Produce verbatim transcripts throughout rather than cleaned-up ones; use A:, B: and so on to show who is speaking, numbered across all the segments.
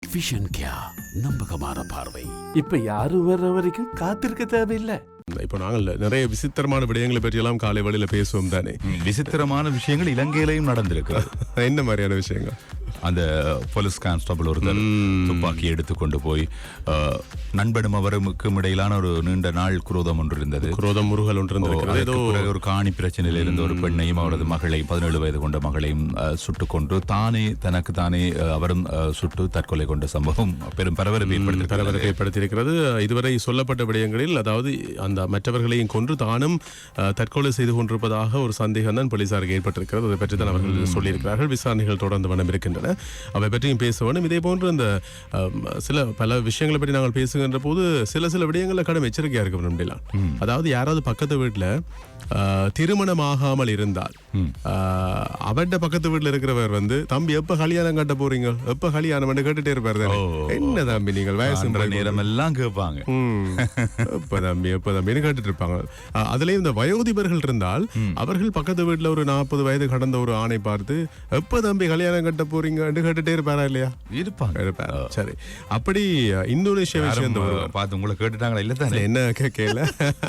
A: Vision கியா, நம்பகமான பார்வை.
B: இப்ப யாரும் வர்ற வரைக்கும் காத்திருக்க தேவையில்லை.
C: இப்போ நாங்கள் நிறைய விசித்திரமான விடயங்களை பற்றி எல்லாம் காலை வழியில பேசுவோம் தானே.
D: விசித்திரமான விஷயங்கள் இலங்கையிலையும் நடந்திருக்கு.
C: என்ன மாதிரியான விஷயங்கள்?
D: அந்த போலீஸ் கான்ஸ்டபிள் ஒருத்தர் துப்பாக்கி எடுத்து கொண்டு போய் நண்பனும் அவருக்கும் இடையிலான ஒரு நீண்ட நாள் குரோதம் ஒன்று இருந்தது.
C: குரோதம் முருகல் ஒன்று இருந்தது.
D: ஏதோ ஒரு காணி பிரச்சனையில் இருந்த ஒரு பெண்ணையும் அவரது மகளையும் பதினேழு வயது கொண்ட மகளையும் சுட்டுக் கொண்டு தானே தனக்கு தானே அவரும் சுட்டு தற்கொலை கொண்ட சம்பவம் பெரும் பரபரப்பை ஏற்படுத்தி
C: பரபரப்பை ஏற்படுத்தியிருக்கிறது. இதுவரை சொல்லப்பட்ட விடயங்களில் அதாவது அந்த மற்றவர்களையும் கொன்று தானும் தற்கொலை செய்து கொண்டிருப்பதாக ஒரு சந்தேகம் தான் போலீசாருக்கு ஏற்பட்டிருக்கிறது. அதை பற்றி தான் அவர்கள் சொல்லியிருக்கிறார்கள். விசாரணைகள் தொடர்ந்து வனம் இருக்கின்றன. அவை பற்றியும் பேச வேண்டும். இதே போன்று இந்த சில பல விஷயங்களை பற்றி நாங்கள் பேசுகின்ற போது சில சில விடயங்கள்ல கடும் எச்சரிக்கையா இருக்க வேண்டும். அதாவது யாராவது பக்கத்து வீட்டுல திருமணம் ஆகாமல் இருந்தால் அவட பக்கத்து வீட்டுல இருக்கிறவர் வந்து தம்பி எப்ப கல்யாணம் கட்ட போறீங்க எப்ப கல்யாணம் கேட்டுட்டே இருப்பாரு. என்ன தம்பி நீங்கள் வயசு
D: நேரம் எல்லாம் கேட்பாங்க.
C: எப்ப தம்பி எப்ப தம்பின்னு கேட்டுட்டு இருப்பாங்க. அதுலயும் இந்த வயோதிபர்கள் இருந்தால் அவர்கள் பக்கத்து வீட்டுல ஒரு நாற்பது வயது கடந்த ஒரு ஆணை பார்த்து எப்ப தம்பி கல்யாணம் கட்ட போறீங்க கேட்டுட்டே இருப்பாரா இல்லையா? இருப்பாங்க இருப்பாங்க. சரி, அப்படி இந்தோனேஷியா விஷயம்
D: பார்த்து உங்களை கேட்டுட்டாங்களா? இல்ல தானே,
C: என்ன கேட்கல.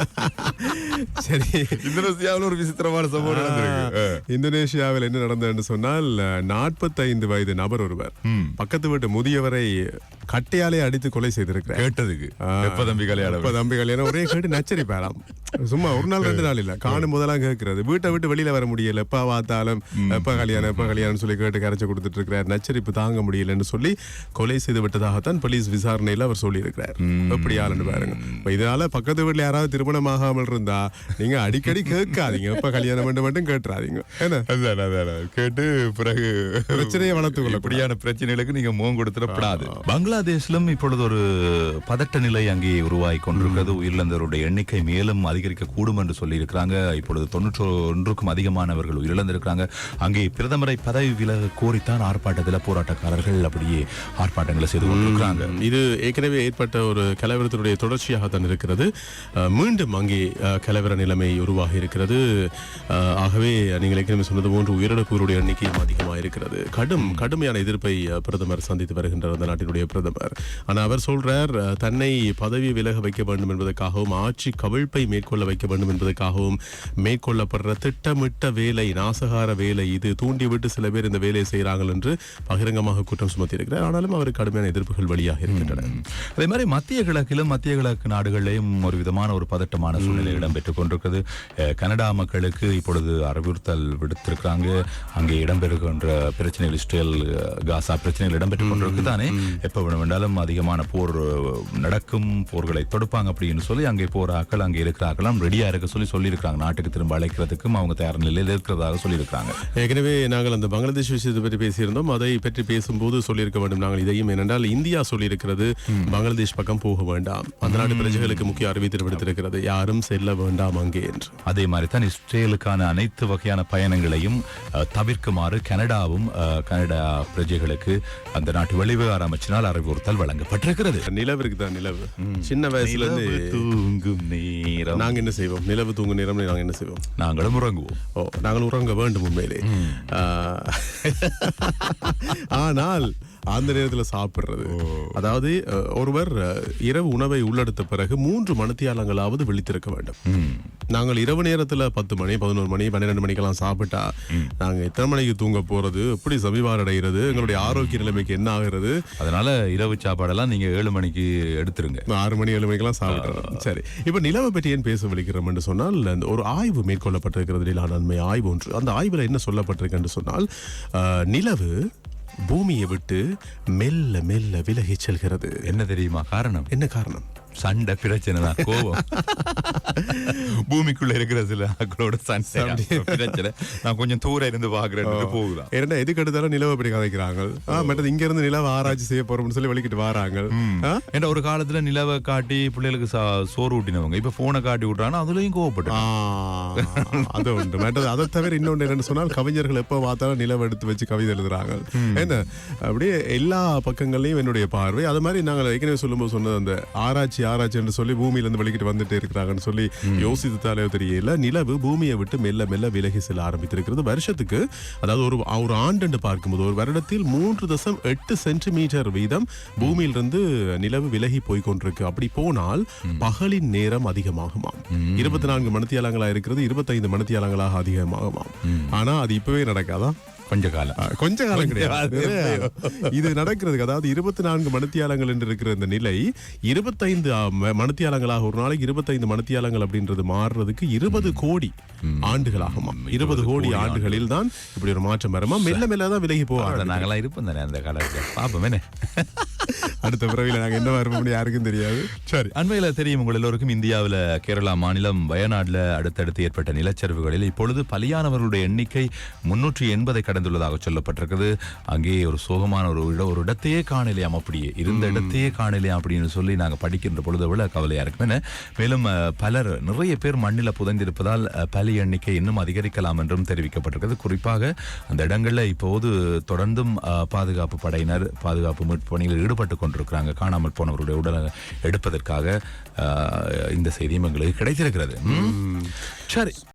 C: சரி,
D: இந்தோனேஷியாவில் ஒரு விசித்திரமான சம்பவம் நடந்திருக்கு.
C: இந்தோனேஷியாவில் என்ன நடந்ததுன்னு சொன்னால் நாற்பத்தி ஐந்து வயது நபர் ஒருவர் பக்கத்து வீட்டு முதியவரை கட்டையாலே அடித்து கொலை செய்திருக்கிறார்.
D: கேட்டதுக்கு எப்ப தம்பி கல்யாணம்
C: எப்ப தம்பி கல்யாணம் ஒரே கேட்டு நச்சரிப்பாராம். சும்மா ஒரு நாள் ரெண்டு நாள் இல்ல, காணும் போதெல்லாம் கேட்கறது. வீட்டை விட்டு வெளியில வர முடியல, எப்ப பார்த்தாலும் எப்ப கல்யாணம் எப்ப கல்யாணம் சொல்லி கேட்டு கரைச்சு கொடுத்துட்டு இருக்கிறார். நச்சரிப்பு தாங்க முடியலன்னு சொல்லி கொலை செய்து விட்டதாகத்தான் போலீஸ் விசாரணையில அவர் சொல்லி இருக்கிறார். எப்படி ஆளுன்னு பாருங்க. இதனால பக்கத்து வீட்டுல யாராவது திருமணம் ஆகாமல் இருந்தா நீங்க அடிக்கடி கேட்காதீங்க, எப்ப கல்யாணம் பண்ண மட்டும் கேட்டுறாதீங்க.
D: கேட்டு பிறகு
C: பிரச்சனையை வளர்த்து கொள்ள
D: இப்படியான பிரச்சனைகளுக்கு நீங்க முகம் கொடுத்துடப்படாது. பங்களாதேஷிலும் இப்பொழுது ஒரு பதட்ட நிலை அங்கே உருவாகி கொண்டிருக்கிறது. உயிரிழந்தவருடைய எண்ணிக்கை மேலும் அதிகரிக்க கூடும் என்று சொல்லி இருக்கிறாங்க. இப்பொழுது தொன்னூற்றி ஒன்றுக்கும் அதிகமானவர்கள் உயிரிழந்திருக்கிறாங்க. அங்கே பிரதமரை பதவி விலக கோரித்தான் ஆர்ப்பாட்டத்தில் போராட்டக்காரர்கள் அப்படியே ஆர்ப்பாட்டங்களை செய்து கொண்டிருக்கிறாங்க.
C: இது ஏற்கனவே ஏற்பட்ட ஒரு கலவரத்தினுடைய தொடர்ச்சியாகத்தான் இருக்கிறது. மீண்டும் அங்கே கலவர நிலைமை உருவாகி இருக்கிறது. ஆகவே நீங்கள் ஏற்கனவே சொன்னது போன்று உயிரிழப்புகளுடைய எண்ணிக்கையும் அதிகமாக இருக்கிறது. கடும் கடுமையான எதிர்ப்பை பிரதமர் சந்தித்து வருகின்றார் அந்த நாட்டினுடைய பிரதமர். ஆனால் அவர் சொல்றார் தன்னை பதவி விலக வைக்க வேண்டும் என்பதற்காகவும் ஆட்சி கவிழ்ப்பை மேற்கொள்ள வைக்க வேண்டும் என்பதற்காகவும் மேற்கொள்ளப்படுற திட்டமிட்ட வேலை, நாசகார வேலை இது, தூண்டிவிட்டு சில பேர் இந்த வேலையை செய்கிறார்கள் என்று பகிரங்கமாக குற்றம் சுமத்தி இருக்கிறார். ஆனாலும் அவருக்கு கடுமையான எதிர்ப்புகள் வழியாக இருக்கின்றன.
D: அதே மாதிரி மத்திய கிழக்கிலும் மத்திய கிழக்கு நாடுகளிலும் ஒரு விதமான ஒரு பதட்டமான சூழ்நிலை இடம்பெற்றுக் கொண்டிருக்கிறது. கனடா மக்களுக்கு இப்பொழுது அறிவுறுத்தல் விடுத்திருக்கிறாங்க. அங்கே இடம்பெறுகின்ற பிரச்சனைகள், இஸ்ரேல் காசா பிரச்சனைகள் இடம்பெற்றுக் கொண்டிருக்கு தானே. எப்ப வேண்டாலும் அதிகமான போர் நடக்கும், போர்களை தொடுப்பாங்க அப்படின்னு சொல்லி அங்கே போராக்கள் அங்கே இருக்கிறார்களாம் ரெடியா இருக்க சொல்லி சொல்லியிருக்காங்க. நாட்டுக்கு திரும்ப அழைக்கிறதுக்கும் அவங்க தயார் நிலையில் இருக்கிறதாக சொல்லியிருக்காங்க.
C: ஏற்கனவே நாங்கள் அந்த பங்களாதேஷ் விஷயத்தை பற்றி பேசியிருந்தோம். அதை பற்றி பேசும்போது சொல்லியிருக்க வேண்டும் நாங்கள் இதையும். ஏனென்றால் இந்தியா சொல்லியிருக்கிறது பங்களாதேஷ் பக்கம் போக வேண்டாம், அந்த நாட்டு பிரஜைகளுக்கு முக்கிய அறிவித்தல் விடுத்திருக்கிறது, யாரும் செல்ல வேண்டாம் அங்கே என்று.
D: அதே மாதிரி தான் இஸ்ரேலுக்கான அனைத்து வகையான பயணங்களையும் தவிர்க்குமாறு கனடாவும் கனடா பிரஜைகளுக்கு அந்த நாட்டு வெளிவிவகார அமைச்சினால் அறிவுறுத்தல் வழங்கப்பட்டிருக்கிறது.
C: நிலவிற்கு தான் நிலவு சின்ன வயசுல இருந்து
D: தூங்கும் நேரம்
C: நாங்க என்ன செய்வோம்? நிலவு தூங்கும் நேரம் நாங்க என்ன செய்வோம்?
D: நாங்களும் உறங்குவோம்.
C: ஓ, நாங்கள் உறங்க வேண்டும் உண்மையிலே. ஆனால் அந்த நேரத்தில் சாப்பிடுறது, அதாவது ஒருவர் இரவு உணவை உள்ளெடுத்த பிறகு மூன்று மணித்தியாலங்களாவது விழித்திருக்க வேண்டும். நாங்கள் இரவு நேரத்துல பத்து மணி பதினோரு மணி பன்னிரெண்டு மணிக்கெல்லாம் சாப்பிட்டா நாங்க எத்தனை மணிக்கு தூங்க போறது, எப்படி சமீபார் அடைகிறது, எங்களுடைய ஆரோக்கிய நிலைமைக்கு என்ன ஆகிறது?
D: அதனால இரவு சாப்பாடெல்லாம் நீங்க ஏழு மணிக்கு எடுத்துருங்க,
C: ஆறு மணி ஏழு மணிக்கெல்லாம் சாப்பிடுறோம். சரி, இப்ப நிலவை பற்றி ஏன் பேச விழிக்கிறோம் என்று சொன்னால் ஒரு ஆய்வு மேற்கொள்ளப்பட்டிருக்கிறது, நன்மை ஆய்வு ஒன்று. அந்த ஆய்வுல என்ன சொல்லப்பட்டிருக்கு என்று சொன்னால் நிலவு பூமியை விட்டு மெல்ல மெல்ல விலகி செல்கிறது.
D: என்ன தெரியுமா காரணம்?
C: என்ன காரணம்?
D: சண்டை பிரச்சனை தான், கோபம். பூமிக்குள்ள இருக்கிற சில ஆக்களோட சண்டை பிரச்சனை. நான் கொஞ்சம் தூரம் இருந்து பாக்குறேன் போகுதான்.
C: ஏன்னா எதுக்கு எடுத்தாலும் நிலவை அப்படி கதைக்கிறாங்க. மற்றது இங்க இருந்து நிலவை ஆராய்ச்சி செய்ய போறோம்னு சொல்லி வலிக்கிட்டு வராங்க.
D: ஏன்னா ஒரு காலத்துல நிலவை காட்டி பிள்ளைகளுக்கு சோறு ஊட்டினவங்க இப்ப போனை காட்டி விட்டுறாங்கன்னா அதுலயும் கோவப்பட்டு
C: அது உண்டு. மற்றது அதை தவிர இன்னொன்று என்னன்னு சொன்னால் கவிஞர்கள் எப்ப பார்த்தாலும் நிலவை எடுத்து வச்சு கவிதை எழுதுறாங்க. என்ன அப்படியே எல்லா பக்கங்கள்லயும் என்னுடைய பார்வை. அது மாதிரி நாங்கள் ஏற்கனவே சொல்லும்போது சொன்னது அந்த ஆராய்ச்சி ஆராய்ச்சி ஆராய்ச்சி என்று சொல்லி பூமியில இருந்து வெளிக்கிட்டு வந்துட்டு இருக்கிறாங்கன்னு சொல்லி யோசித்தாலே தெரியல. நிலவு பூமியை விட்டு மெல்ல மெல்ல விலகி செல்ல ஆரம்பித்திருக்கிறது. வருஷத்துக்கு அதாவது ஒரு ஒரு ஆண்டு பார்க்கும்போது ஒரு வருடத்தில் மூன்று தசம் எட்டு சென்டிமீட்டர் வீதம் பூமியிலிருந்து நிலவு விலகி போய் கொண்டிருக்கு. அப்படி போனால் பகலின் நேரம் அதிகமாகுமாம். இருபத்தி நான்கு மணித்தியாலங்களா இருக்கிறது இருபத்தைந்து மணித்தியாலங்களாக அதிகமாகுமாம். ஆனா அது இப்பவே நடக்காதான்?
D: கொஞ்ச காலம்
C: கொஞ்ச காலம் கிடையாது இது நடக்கிறதுக்கு. அதாவது இருபத்தி நான்கு மணித்தியாலங்கள் என்று இருக்கிற இந்த நிலை இருபத்தைந்து மணித்தியாலங்களாக ஒரு நாளைக்கு இருபத்தைந்து மணித்தியாலங்கள் அப்படின்றது மாறுறதுக்கு இருபது கோடி ஆண்டுகளாகுமா. இருபது கோடி ஆண்டுகளில் தான் இப்படி ஒரு மாற்றம் வருமா. மெல்ல மெல்ல தான் விலகி போவாங்க.
D: நாங்களாம் இருப்போம் தானே அந்த காலத்துல. பாப்போமே
C: அடுத்த பிறவில நாங்க என்ன வருவோம்னு யாருக்கும் தெரியாது.
D: சரி, அண்மையில தெரியும் உங்கள் எல்லோருக்கும் இந்தியாவில் கேரளா மாநிலம் வயநாடுல அடுத்தடுத்து ஏற்பட்ட நிலச்சரிவுகளில் இப்பொழுது பலியானவர்களுடைய எண்ணிக்கை முன்னூற்றி எண்பதை கடந்துள்ளதாக சொல்லப்பட்டிருக்கிறது. அங்கே ஒரு சோகமான ஒரு இட ஒரு இடத்தையே காணலையாம், அப்படியே இருந்த இடத்தையே காணலையாம் அப்படின்னு சொல்லி நாங்க படிக்கின்ற பொழுது விட கவலையா இருக்கும். மேலும் பலர் நிறைய பேர் மண்ணில புதைந்திருப்பதால் பலி எண்ணிக்கை இன்னும் அதிகரிக்கலாம் என்றும் தெரிவிக்கப்பட்டிருக்கிறது. குறிப்பாக அந்த இடங்கள்ல இப்போது தொடர்ந்தும் பாதுகாப்பு படையினர் பாதுகாப்பு மீட்பு பணியில் ஈடுபட்டு கொண்டிருக்கிறாங்க. காணாமல் போனவருடைய உடலை எடுப்பதற்காக இந்த செய்தியும் எங்களுக்கு கிடைத்திருக்கிறது. சரி,